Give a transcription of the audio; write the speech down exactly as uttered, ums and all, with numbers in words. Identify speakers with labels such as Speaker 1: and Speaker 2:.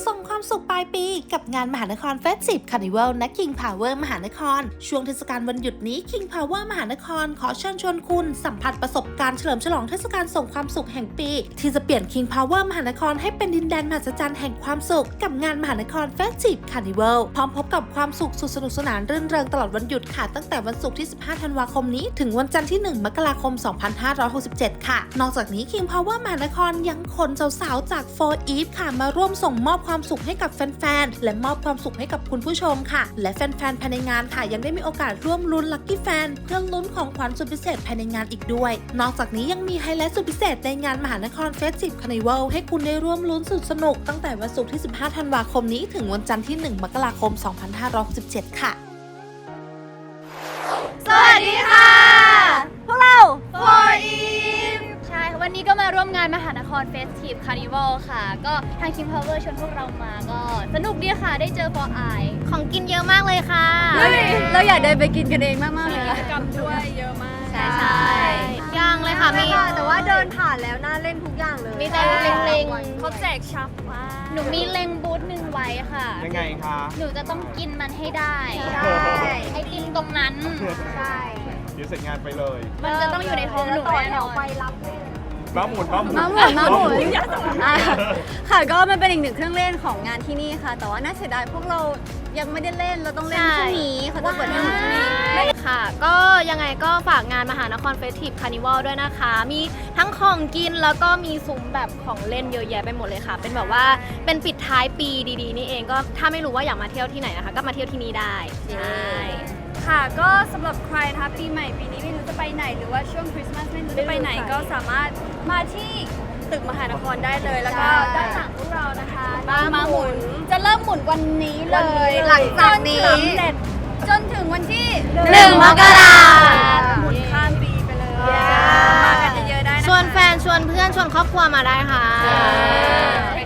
Speaker 1: ส่งความสุขปลายปีกับงานมหานครเฟสติฟคาร์นิวัลณ King Power มหานครช่วงเทศกาลวันหยุดนี้ King Power มหานครขอเชิญชวนคุณสัมผัสประสบการณ์เฉลิมฉลองเทศกาลส่งความสุขแห่งปีที่จะเปลี่ยน King Power มหานครให้เป็นดินแดนมหัศจรรย์แห่งความสุขกับงานมหานครเฟสติฟคาร์นิวัลพร้อมพบกับความสุขสุดสนุกสนานรื่นเริงตลอดวันหยุดค่ะตั้งแต่วันศุกร์ที่สิบห้าธันวาคมนี้ถึงวันจันทร์ที่หนึ่งมกราคมสองพันห้าร้อยหกสิบเจ็ดค่ะนอกจากนี้ King Power มหานครยังขนสาวๆจาก โฟร์ อีฟ ค่ะมาร่วมส่งมอบความสุขให้กับแฟนๆและมอบความสุขให้กับคุณผู้ชมค่ะและแฟนๆภายในงานค่ะยังได้มีโอกาสร่วมลุ้นลัคกี้แฟนเพื่อลุ้นของขวัญสุดพิเศษภายในงานอีกด้วยนอกจากนี้ยังมีไฮไลท์สุดพิเศษในงานมหานครเฟสติฟคาร์นิวัลให้คุณได้ร่วมลุ้นสุดสนุกตั้งแต่วันศุกร์ที่สิบห้าธันวาคมนี้ถึงวันจันทร์ที่หนึ่งมกราคมสองพันห้าร้อยหกสิบเจ็ดค่ะ
Speaker 2: สวัสดีค่ะพวกเรา โฟร์ อีฟ
Speaker 3: ใช่วันนี้ก็มาร่วมงานมหานครเฟสทีฟคาร์นิวัลค่ะก็ทาง King Power ชวนพวกเรามาก็สนุกดีค่ะได้เจอ โฟร์ ไอ ของกินเยอะมากเลยค่ะ
Speaker 2: เราอยากเดินไปกินกันเองมากๆเลย
Speaker 3: กิจกรรมด้วยเยอะมาก
Speaker 2: ใช่ใช่
Speaker 3: ย่างเลยค่ะมี
Speaker 2: แต่ว่าเดินผ่านแล้วน่าเล่นทุกอย่างเลย
Speaker 3: มีแต่เล็งๆ
Speaker 2: เขาแจกชับมา
Speaker 3: หนูมีเล็งบูธหนึ่งไว้ค่ะ
Speaker 4: ยังไงคะ
Speaker 3: หนูจะต้องกินมันให้ได้
Speaker 2: ใช่
Speaker 3: ไอติมตรงนั้น
Speaker 2: ใช่
Speaker 4: เดี๋ยวเสร็จงานไปเลย
Speaker 3: มันจะต้องอยู่ในท้องหนู
Speaker 2: ต่อ
Speaker 3: แน่
Speaker 2: แถ
Speaker 3: น
Speaker 2: ว
Speaker 3: อน
Speaker 2: ไปรับเลย
Speaker 4: ม้าหมุนม้าหมุน
Speaker 2: มาหมุนมาหมุนอ่ะค่ะก็มันเป็นอีกหนึ่งเครื่องเล่นของงานที่นี่ค่ะ แต่ว่าน่าเสียดายพวกเรายังไม่ได้เล่นเราต้องเล่นพรุ่งนี้เขาจะเปิดให้พรุ่งนี้
Speaker 5: ค่ะก็ยังไงก็ฝากงานมหานครเฟสทีฟคาร์นิวัลด้วยนะคะมีทั้งของกินแล้วก็มีซุ้มแบบของเล่นเยอะแยะไปหมดเลยค่ะเป็นแบบว่าเป็นปิดท้ายปีดีๆนี่เองก็ถ้าไม่รู้ว่าอยากมาเที่ยวที่ไหนนะคะก็มาเที่ยวที่นี่ได้ใช่
Speaker 6: ค่ะก็สำหรับใครนะคะปีใหม่ปีนี้ไม่รู้จะไปไหนหรือว่าช่วงคริสต์มาสไม่รู้จะไปไหนก็สามารถมาที่ตึกมหานครได้เลยแล้วก็ด้านหลังพวกเรานะคะมาหมุนจะเริ่มหมุนวันนี้เลย
Speaker 2: หลังจากนี้
Speaker 6: จสำเร็จจนถึงวันที่
Speaker 2: หนึ่งมกรา
Speaker 6: หมุนข้ามปีไปเลยมากันเยอะๆได้นะคะ
Speaker 5: ชวนแฟนชวนเพื่อนชวนครอบครัวมาได้ค่ะ